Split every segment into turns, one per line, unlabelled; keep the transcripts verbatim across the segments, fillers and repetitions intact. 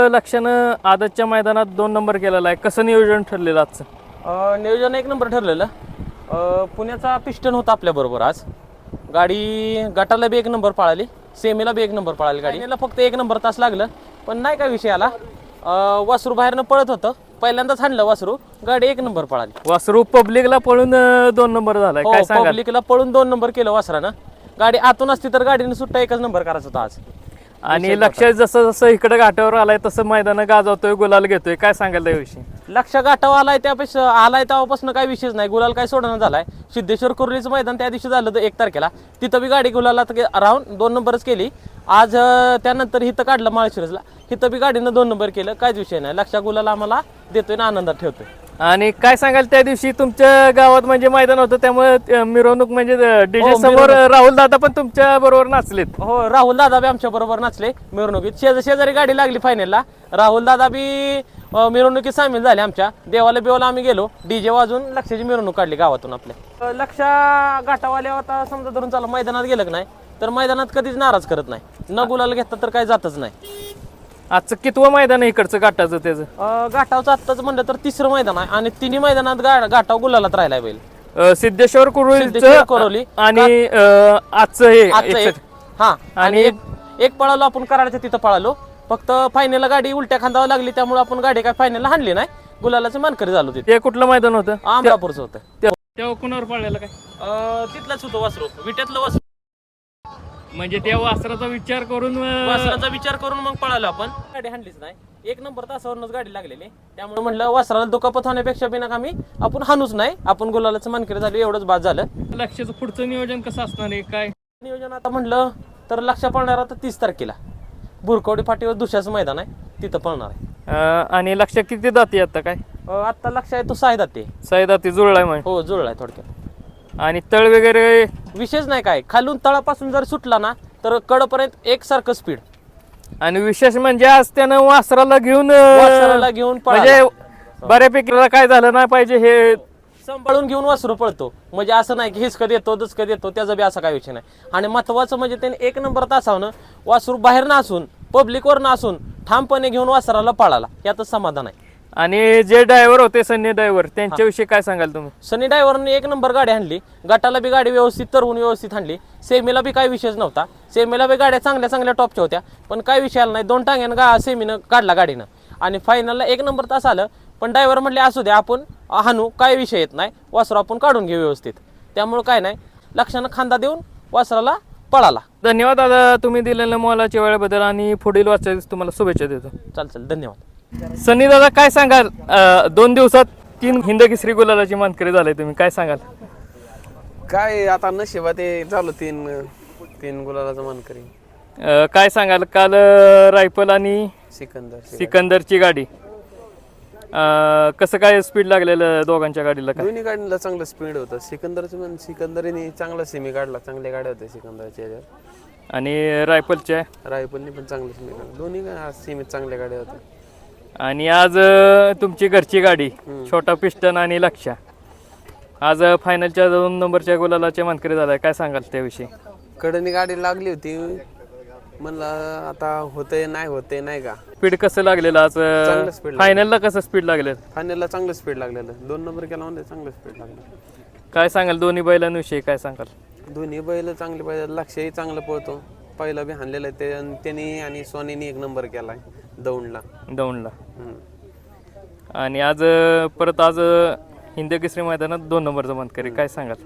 लक्षानं आदतच्या मैदानात दोन नंबर केलेला आहे, कसं नियोजन ठरलेलं आजचं?
अं, नियोजन एक नंबर ठरलेलं. अं, पुण्याचा पिस्टन होता आपल्याबरोबर आज. गाडी गटाला बी एक नंबर पळाली, सेमीला बी एक नंबर पळाली गाडी. याला फक्त एक नंबर तास लागलं, पण नाही काय विषय आला. अं, वासरू बाहेरनं पळत होतं, पहिल्यांदाच हाणलं वासरू, गाडी एक नंबर पळाली.
वासरू पब्लिकला पळून अं, दोन नंबर झालाय, काय सांगाल?
पब्लिकला पळून दोन नंबर केलं वासरानं. गाडी आतून असती तर गाडीने सुट्टा एकच नंबर करायचा होता आज.
आणि लक्षात जसं जसं इकडे घाटावर आलाय तसं मैदानं गाजवतोय, गुलाल घेतोय, काय सांगाल त्याविषयी?
लक्ष गाठावा आलाय त्यापेक्षा आलाय तेव्हापासून काही विषयच नाही. गुलाल काय सोडणं झालाय. सिद्धेश्वर कुर्लीचं मैदान त्या दिवशी झालं तर एक तारखेला, तिथं बी गाडी गुलालात राहून दोन नंबरच केली. आज अं, त्यानंतर हिथं काढलं माळशिरसला, हिथं बी गाडीनं दोन नंबर केलं, काहीच विषय नाही. लक्ष गुलाल आम्हाला देतोय ना आनंदात ठेवतोय.
आणि काय सांगाल त्या दिवशी तुमच्या गावात म्हणजे मैदान होतं, त्यामुळे अं, मिरवणूक म्हणजे डीजे
हो,
समोर राहुल दादा पण तुमच्या बरोबर नाचलेत.
हो, राहुल दादा बी आमच्या बरोबर नाचले मिरवणुकीत. शेज शेजारी गाडी लागली फायनलला, राहुल दादा बी अं, मिरवणुकीत सामील झाले आमच्या. देवाला बिवाला आम्ही गेलो, डीजे वाजून लक्षाची मिरवणूक काढली गावातून आपल्या. अं, लक्ष गाठावाल्या आता समजा धरून चालू मैदानात गेलं की नाही तर मैदानात कधीच नाराज करत नाही. न गुलाल घेतलं तर काही जातच नाही.
आजचं कितवं मैदान आहे इकडचं गाठाचं त्याचं?
अं, गाठावचं आत्ताच म्हणलं तर तिसरं मैदान आहे आणि तिन्ही मैदानात गा गाठाव गुलालात राहिलाय बैल.
अं, सिद्धेश्वर
सिद्धेश्वर
कुरुलीचं
कुरोली.
आणि अं, आजचं हे
आजचं एक
एकशे-
हा आणि
आणि
एक एक पळालो आपण कराडच्या तिथं पळालो. फक्त फायनलला गाडी उलट्या खांदावर लागली, त्यामुळे आपण गाडी काय फायनलला हाणली नाही. गुलालाचं मानकरी झालो तिथे.
ते कुठलं मैदान होतं?
आमरापूरचं होतं.
त्या- तेव्हा कुणावर पळलेलं काय?
अं, तिथलंच होतं वासरू, विट्यातलं वासरू.
म्हणजे त्या वासराचा विचार करून अं,
वासराचा विचार करून मग पळालो आपण. गाडी हाणलीच नाही, एक नंबर तासावरूनच गाडी लागलेली. त्यामुळे म्हणलं वासराला दुखापत होण्यापेक्षा बिना आम्ही आपण हाणूच नाही, आपण गुलालाचं मानकरी झालो, एवढंच बाद झालं.
लक्षाचं पुढचं नियोजन कसं असणार आहे काय?
नियोजन आता म्हणलं तर लक्ष पळणार आता तीस तारखेला बुरकवडी फाटीवर दुसऱ्याचं मैदान आहे, तिथं पळणार आहे.
अं, आणि लक्ष किती दाती आता काय?
अं, आत्ता लक्ष आहे तो साय दाते.
साई दाती जुळलाय म्हणजे.
हो, जुळलाय थोडक्यात.
आणि तळ वगैरे
विशेष नाही काय, खालून तळापासून जर सुटला ना तर कडपर्यंत एकसारखं स्पीड.
आणि विशेष म्हणजे आज त्यानं वासराला घेऊन अं,
वासराला घेऊन पळाला.
म्हणजे बऱ्यापैकी काय झालं नाही पाहिजे हे
सांभाळून घेऊन वासरू पळतो. म्हणजे असं नाही की हिसकत येतो दचकत येतो, त्याचा बी असा काही विषय नाही. आणि महत्वाचं म्हणजे त्याने एक नंबर तासावनं वासरू बाहेर नसून पब्लिकवर नसून ठामपणे घेऊन वासराला पळाला, यातच समाधान आहे.
आणि जे ड्रायव्हर होते सन्नी ड्रायव्हर त्यांच्याविषयी काय सांगाल तुम्ही?
सनी ड्रायव्हरने एक नंबर गाडी आणली, गटाला बी गाडी व्यवस्थित तरवून व्यवस्थित आणली. सेमीला बी काही विषयच नव्हता. सेमीला बी गाड्या चांगल्या चांगल्या टॉपच्या होत्या, पण काही विषय आला नाही. दोन टांग्यानं गा सेमीनं काढला गाडीनं आणि फायनलला एक नंबर तास आलं. पण ड्रायव्हर म्हटले असू द्या, आपण हाणू, काय विषय येत नाही, वासरू आपण काढून घेऊ व्यवस्थित. त्यामुळे काय नाही, लक्षानं खांदा देऊन वासराला पळाला.
धन्यवाद दादा, तुम्ही दिलेल्या मोलाच्या वेळेबद्दल आणि पुढील वाचायला तुम्हाला शुभेच्छा देतो.
चाल चाल धन्यवाद.
सनी दादा काय सांगाल, अं, दोन दिवसात तीन हिंद केसरी गुलालाची मानकरी झाले, तुम्ही काय सांगाल?
काय आता नशिबा ते झालं तीन तीन गुलालाचं मानकरी.
अं, काय सांगाल, काल अं, रायफल आणि
सिकंदर
सिकंदरची गाडी अं, कसं काय स्पीड लागलेलं दोघांच्या गाडीला काय?
दोन्ही गाडीला चांगलं स्पीड होतं. सिकंदरचं पण सिकंदरीने चांगला सेमी काढला, चांगल्या गाड्या होत्या सिकंदरच्या ह्याच्यावर.
आणि रायफलच्या
रायफलनी पण चांगलं सेमी काढलं. दोन्ही सेमीत चांगल्या गाड्या होत्या.
आणि आज अं, तुमची घरची गाडी छोटा पिस्टन आणि लक्षा आज अं, फायनलच्या दोन नंबरच्या गुलालाच्या मानकरी झालाय, काय सांगाल त्याविषयी?
कडनी गाडी लागली होती, म्हणलं आता होतंय नाही होतंय नाही का.
स्पीड कसं लागलेलं आज?
चांगलं speed
फायनलला कसं स्पीड लागलेलं?
फायनलला चांगलं स्पीड लागलेलं. दोन नंबर केला म्हणजे चांगलं स्पीड लागलं.
काय सांगाल दोन्ही बैलांविषयी काय सांगाल?
दोन्ही बैल चांगले पाहिजे. लक्षही चांगलं पळतो. पहिला बी हाणलेलं आहे ते, आणि त्यांनी आणि सोनीने एक नंबर केलाय दौंडला
दौंडला.
हम्म.
आणि आज अं, परत आज अं, हिंद केसरी मैदानात दोन नंबरचं मानकरी, काय सांगाल?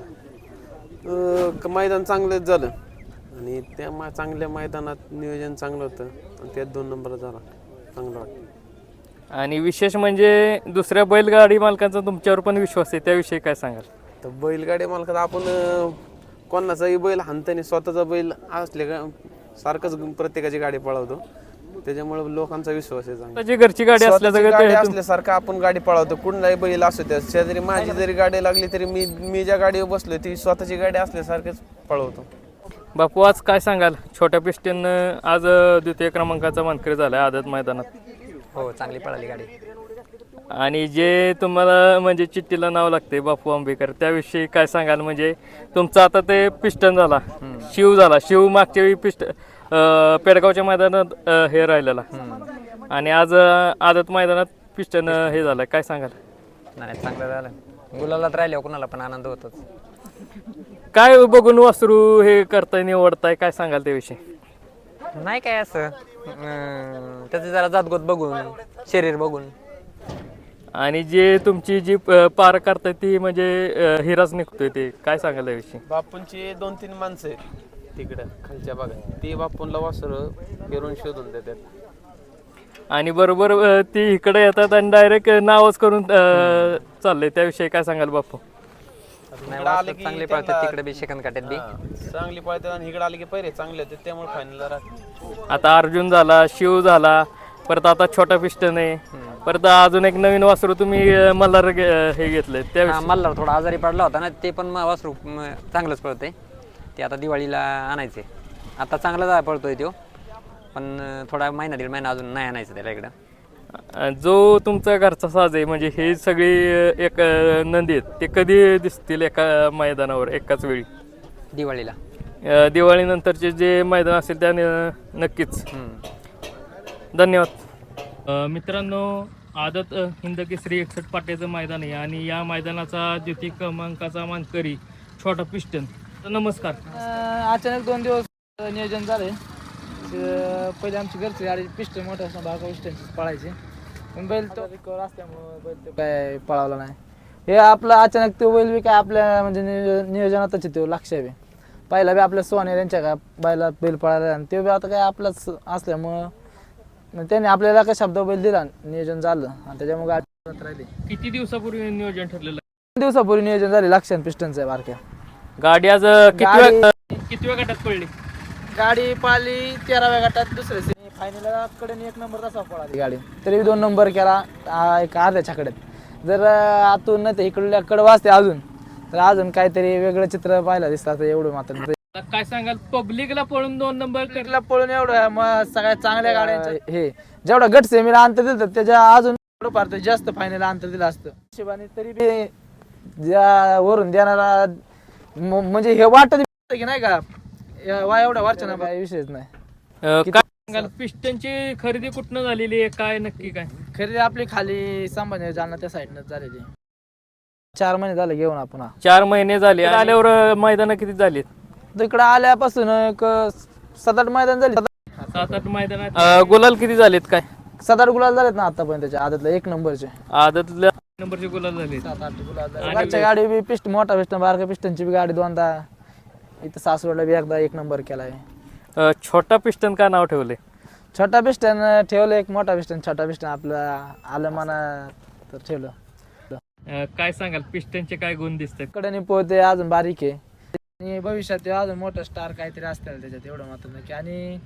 अं, क- मैदान चांगलंच झालं आणि त्या मा चांगल्या मैदानात नियोजन चांगलं होतं आणि त्यात दोन नंबर झाला, चांगलं वाटतं.
आणि विशेष म्हणजे दुसऱ्या बैलगाडी मालकांचा तुमच्यावर पण विश्वास आहे, त्याविषयी काय सांगाल?
तर बैलगाडी मालकात आपण अं, कोणाचाही बैल हाणताना स्वतःचा बैल असले का सारखंच प्रत्येकाची गाडी पळवतो, त्याच्यामुळे लोकांचा विश्वास आहे चांगला.
त्याची घरची गाडी
स्वतःची गाडी
असल्याचं
असल्यासारखं आपण गाडी पळवतो. कुठलाही बैल असू त्या शेजारी माझी जरी गाडी लागली तरी मी मी ज्या गाडीवर बसलोय ती स्वतःची गाडी असल्यासारखंच पळवतो.
बापू आज काय सांगाल, छोट्या पिस्टन आज अं, द्वितीय क्रमांकाचा मानकरी झालाय आदत मैदानात?
हो, चांगली पळाली गाडी.
आणि जे तुम्हाला म्हणजे चिठ्ठीला नाव लागते बापू आंबेकर, त्याविषयी काय सांगाल? म्हणजे तुमचं आता ते पिस्टन झाला, शिव झाला, शिव मागच्या वेळी पिस्ट अं, पेडगावच्या मैदानात अं, हे राहिलेला, आणि आज अं, आदत मैदानात पिस्टन अं, हे झालं काय सांगाल
नाही चांगलं झालं गुलालात राहिल्यावर कुणाला पण आनंद होतोच.
काय बघून वासरू हे करताय निवडताय काय सांगाल त्याविषयी
नाही काय असं अं, त्याचं जरा जातगोत बघून शरीर बघून.
आणि जे तुमची जी अं, पार करताय ती म्हणजे अं, हिराच निघतोय ते काय सांगाल त्याविषयी
बापूंची दोन तीन माणसं आहेत तिकडं खालच्या भागात, ते बापूंला वासरं फिरून शोधून देतात.
आणि बरोबर अं, ती इकडे येतात आणि डायरेक्ट नावच करून अं, चाललंय त्याविषयी काय सांगाल बापू
नाही
इकडं आलं
वासरं
की
चांगले
त्यांना-
पळतात तिकडे बी सेकंद काट्यात बी.
हा, चांगली पळतात आणि इकडे आले की पहिले चांगले होते त्यामुळे फायनलला राहते.
आता अर्जुन झाला शिव झाला परत आता छोटा पिस्टन आहे परत अजून एक नवीन वासरू तुम्ही अं, मल्हार घे- अं, हे घेतलंय
हा,
त्या
मल्हार थोडा आजारी पडला होता ना ते पण म- वासरू म- चांगलंच पळतंय. ते आता दिवाळीला आणायचे. आता चांगला जा- पळतोय तो पण अं, थोडा महिना दीड महिना अजून नाही आणायचं त्याला इकडं.
अं, जो तुमचा घरचा साज आहे म्हणजे हे सगळी अं, एक अं, नंदी आहेत ते कधी दिसतील एका मैदानावर एकाच वेळी
दिवाळीला.
अं, दिवाळीनंतरचे जे मैदान असेल त्या नक्कीच
हम्म.
धन्यवाद मित्रांनो आदत अ, हिंद केसरी एकसष्ट पाट्याचं मैदान आहे आणि या मैदानाचा द्वितीय क्रमांकाचा मानकरी छोटा पिस्टन तर नमस्कार
अं, अचानक दोन दिवस अं, नियोजन झाले अं, पहिले आमची घरची गाडी पिस्टन मोठं असं बागा पिस्टनचीच पळायची पण बैल तो रिकवर असल्यामुळं बैल तो काय पळावला नाही. हे आपलं अचानक तो बैल बी काय आपल्या म्हणजे नियोजन नियोजनातच आहे तो लक्ष बी पहिला बी आपल्या सोने त्यांच्या का बैला बैल पळायला आणि ते बी आता काय आपलाच असल्यामुळं मग त्यांनी आपल्याला काय शब्द बैल दिला नियोजन झालं आणि त्याच्यामुळे गाडी राहिली.
किती दिवसापूर्वी नियोजन ठरलेलं
दोन दिवसापूर्वी नियोजन झाले लक्षण पिस्टनचं आहे बारक्या
गाडी आज अ, किती
गाडी-
वेळ किती वेळ गटात पडली
गाडी पाळली तेराव्या गटात दुसऱ्या फायनल कडे एक नंबर तसा पळाली गाडी तरी दोन नंबर केला आ, एक अर्ध्या छकड्यात जर अं, आतून नाही तर इकडल्या कडे वाजते अजून तर अजून काहीतरी वेगळं चित्र पाहायला दिसतं एवढं मात्र
आता काय सांगाल पब्लिकला पळून दोन नंबर कर
ला पळून एवढं मग सगळ्या चांगल्या गाड्यांचं हे जेवढा गट सेमीला अंतर दिलं त्याच्या अजून थोडंफार ते जास्त फायनल अंतर दिलं असतं हिशोबाने तरी बी ज्या वरून देणारा म- म्हणजे हे वाटत की नाही का या- वा एवढ्या वरच्या काही विषयच नाही
अ, काय सांगाल पिस्टनची खरेदी कुठनं झालेली आहे काय नक्की काय
खरेदी आपली खाली संभाजी जालना त्या साईडनं झालेली चार महिने झाले घेऊन आपण हा.
चार महिने झाले आल्यावर मैदान किती झाली
इकडं आल्यापासून एक सात आठ मैदान झाली
सात आठ मैदानात गुलाल किती झालेत काय
सात आठ गुलाल झालेत ना आतापर्यंत त्याच्या आदतला एक नंबरचे
आदतल्या नंबरचे गुलाल झाले
सात आठ गुलाल घरच्या गाडी बी पिस्ट मोठा पिस्टन बारका पिस्टनची बी गाडी दोनदा इथं सासवडला बी एकदा एक नंबर केलाय.
अ, छोटा पिस्टन का नाव ठेवले
छोटा पिस्टन ठेवलं एक मोठा पिस्टन छोटा पिस्टन आपलं आलं मना तर ठेवलं.
काय सांगाल पिस्टनचे काय गुण दिसतात
कडे पोहते अजून बारीक आहे आणि भविष्यात ते अजून मोठं स्टार काहीतरी असतील त्याच्यात एवढं मात्र नक्की. आणि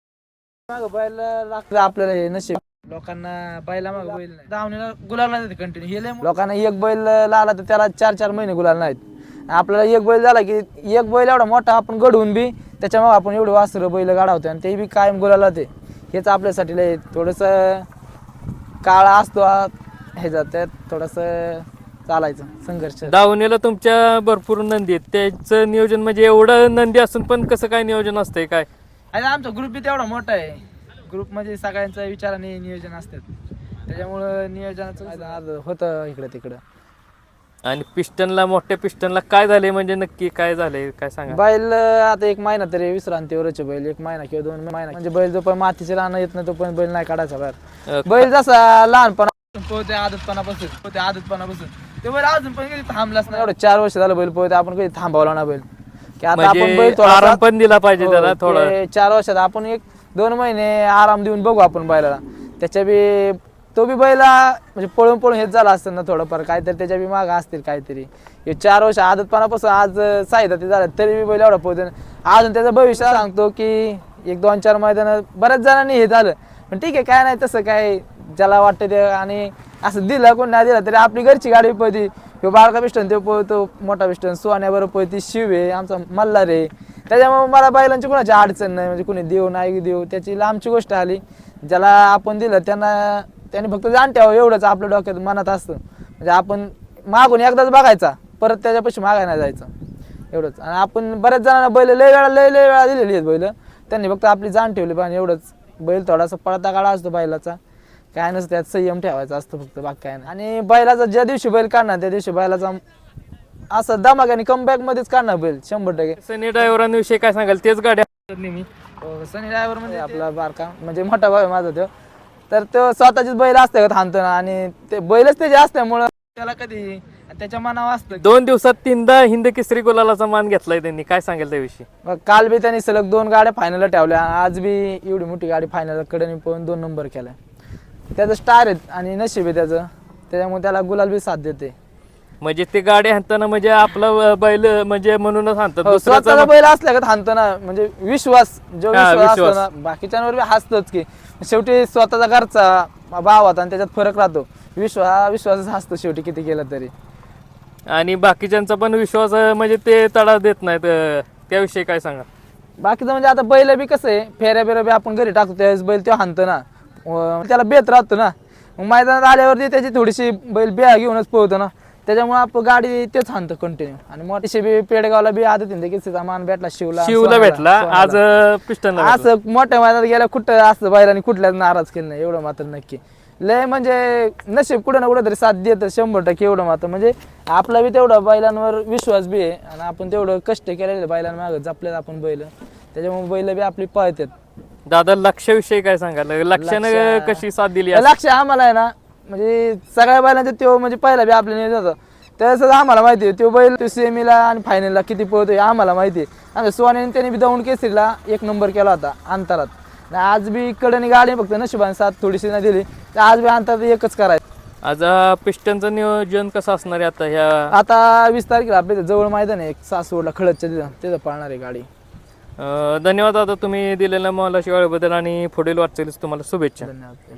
माग बैल लागतं आपल्याला हे नशीब लोकांना बैला माग बैल नाही धावणीला गुलाल नाही कंटिन्यू हे लय मो- लोकांना एक बैल लागला तर त्याला चार चार महिने गुलाल नाहीत आपल्याला एक बैल झाला की एक बैल एवढा मोठा आपण घडवून बी त्याच्यामुळे आपण एवढं वासरं बैल गाडावतो आणि ते बी कायम गुलाला ते हेच आपल्यासाठी लय थोडंसं काळा असतो ह्याच्यात त्यात थोडंसं चालायचं संघर्ष.
दावणीला तुमच्या भरपूर नंदी आहेत त्याचं नियोजन म्हणजे एवढं नंदी असून पण कसं काय नियोजन असतंय काय
आणि आमचा ग्रुप बी तेवढा मोठा आहे ग्रुप मध्ये सगळ्यांच्या विचाराने नियोजन असतात त्याच्यामुळं नियोजनाचं आज होतं इकडं तिकडं.
आणि पिस्टनला मोठ्या पिस्टनला काय झाले म्हणजे नक्की काय झाले काय सांगा
बैल आता एक महिना तरी विश्रांतीवरच आहे बैल एक महिना किंवा दोन महिना म्हणजे बैल जो पण मातीचे राहणं येत नाही तो पण बैल नाही काढायचा बाहेर.
अ,
बैल जसा लहानपणा पोहते आदतपणापासून पोहते आदतपणापासून ते बैल अजून पण कधी थांबलाच नाही एवढं चार वर्ष झालं बैल पोहते आपण कधी थांबवला ना बैल की आता आपण बैल
म्हणजे
थोडासा-
आराम पण दिला पाहिजे
हो,
त्याला थोडा
ते चार वर्षात आपण एक दोन महिने आराम देऊन बघू आपण बैलाला त्याच्या बी तो बी बैला म्हणजे पळून पळून हेच झाला असतं ना थोडंफार काहीतरी त्याच्या बी माग असतील काहीतरी हे चार वर्ष आदतपणापासून आज साहित्य ते झालं तरी बी बैल एवढा पोहते अजून त्याचं भविष्य सांगतो की एक दोन चार मैदान बऱ्याच जणांनी हे झालं पण ठीक आहे काय नाही तसं काय ज्याला वाटतं ते आणि असं दिलं कोण नाही दिलं तरी आपली घरची गाडी पळती ह्यो बारका पिस्टन तो पळतो मोठा पिस्टन सोन्याबरोबर पळती शिव आहे आमचा मल्हार आहे त्याच्यामुळे मला बैलांची कोणाची अडचण नाही म्हणजे कोणी देऊ नाही देऊ त्याची लांबची गोष्ट आली ज्याला आपण दिलं त्यांना त्यांनी फक्त जाण ठेवावं एवढंच आपल्या डोक्यात मनात असतं म्हणजे आपण मागून एकदाच बघायचा परत त्याच्यापाशी मागायला नाही जायचं एवढंच. आणि आपण बऱ्याच जणांना बैल लय वेळा लय लय वेळा दिलेली आहेत बैल त्यांनी फक्त आपली जाण ठेवली पाहिजे एवढंच. बैल थोडासा पळता काळा असतो बैलाचा काय नसतं, त्यात संयम ठेवायचा असतं फक्त, बाकी काय नाही. आणि बैलाचा ज्या दिवशी बैल काढणार त्या दिवशी बैलाचा असं धमाक्याने कमबॅक मध्येच काढणार बैल शंभर टक्के.
सनी ड्रायव्हरांविषयी काय सांगाल? तेच गाड्या हाणतात नेहमी.
हो, सनी ड्रायव्हर म्हणजे आपला बारका म्हणजे मोठा भाऊ आहे माझा तो, तर तो स्वतःचीच बैल असते का थांबतो ना, आणि ते बैलच त्याचे असल्यामुळं त्याला कधी त्याच्या मनावर असतं.
दोन दिवसात तीनदा हिंद केसरी गुलालाचा मान घेतलाय त्यांनी, काय सांगेल त्याविषयी?
मग काल बी त्यांनी सलग दोन गाड्या फायनलला ठेवल्या, आज बी एवढी मोठी गाडी फायनल कडे पळून दोन नंबर केलाय. त्याचं स्टार आहेत आणि नशीब आहे त्याचं, त्याच्यामुळे त्याला गुलाल बी साथ देते.
म्हणजे ते गाडी हाणताना म्हणजे आपला बैल म्हणजे म्हणूनच हाणतात,
हो,
दुसऱ्याचा
स्वतःचा बैल असल्या का थांबतो ना, म्हणजे विश्वास जो
हा,
विश्वास असतो
विश्वास.
ना बाकीच्यांवर बी हसतोच की, शेवटी स्वतःचा घरचा भाव होता आणि त्याच्यात फरक राहतो. विश्वास विश्वासच हसतो शेवटी किती केलं तरी.
आणि बाकीच्यांचा पण विश्वास अं, म्हणजे ते तडा देत नाहीत, अं, त्याविषयी काय सांगा?
बाकीचं म्हणजे आता बैल बी कसं आहे, फेऱ्या बिऱ्या बी आपण घरी टाकतो त्यावेळेस बैल तो हाणतो ना, व त्याला बेत राहतो ना, मग मैदानात आल्यावरती त्याची थोडीशी बैल बिया घेऊनच पळतो ना, त्याच्यामुळे आपण गाडी तेच हाणतो कंटिन्यू. आणि मोठीशी बी पेडगावला बी आदत की किसीचा मान भेटला शिवला
शिवला
सोनाला,
भेटला,
सोनाला.
आज पिस्टनला भेटला.
असं मोठ्या मैदानात गेल्या कुठं असं बैलांनी कुठल्याच नाराज केलं नाही, एवढं मात्र नक्की. लय म्हणजे नशीब कुठं ना कुठं तरी साथ देत शंभर टक्के, एवढं मात्र म्हणजे आपला बी तेवढा बैलांवर विश्वास बी आहे आणि आपण तेवढं कष्ट केलेले बैलांमागं जपलेत आपण बैल, त्याच्यामुळे बैल बी आपली पळतात.
दादा लक्षाविषयी काय सांगाल? लक्षानं
लक्ष्य-
कशी साथ दिली आज?
लक्ष आम्हाला आहे ना, म्हणजे सगळ्या बैलांचे तो म्हणजे पहिला बी आपल्या नियोजन होतं, त्याचं आम्हाला माहिती आहे तो बैल सेमीला आणि फायनलला किती पळतोय आम्हाला माहिती आहे. आम्ही सोन्याने त्याने बी दौंड केसरीला एक नंबर केला होता अंतरात, आणि आज बी कडनी गाडी फक्त नशिबाने साथ थोडीशी नाही दिली, तर आज बी अंतरात एकच करायचं.
आज अं, पिस्टनचं नियोजन कसं असणार आहे आता ह्या?
आता वीस तारखेला आपल्या जवळ मैदान आहे एक सासवडला खळदच्या तिथं, तिथं पाळणार आहे गाडी.
अं, धन्यवाद दादा तुम्ही दिलेल्या मोलाच्या वेळेबद्दल आणि पुढील वाटचालीस तुम्हाला शुभेच्छा.
धन्यवाद.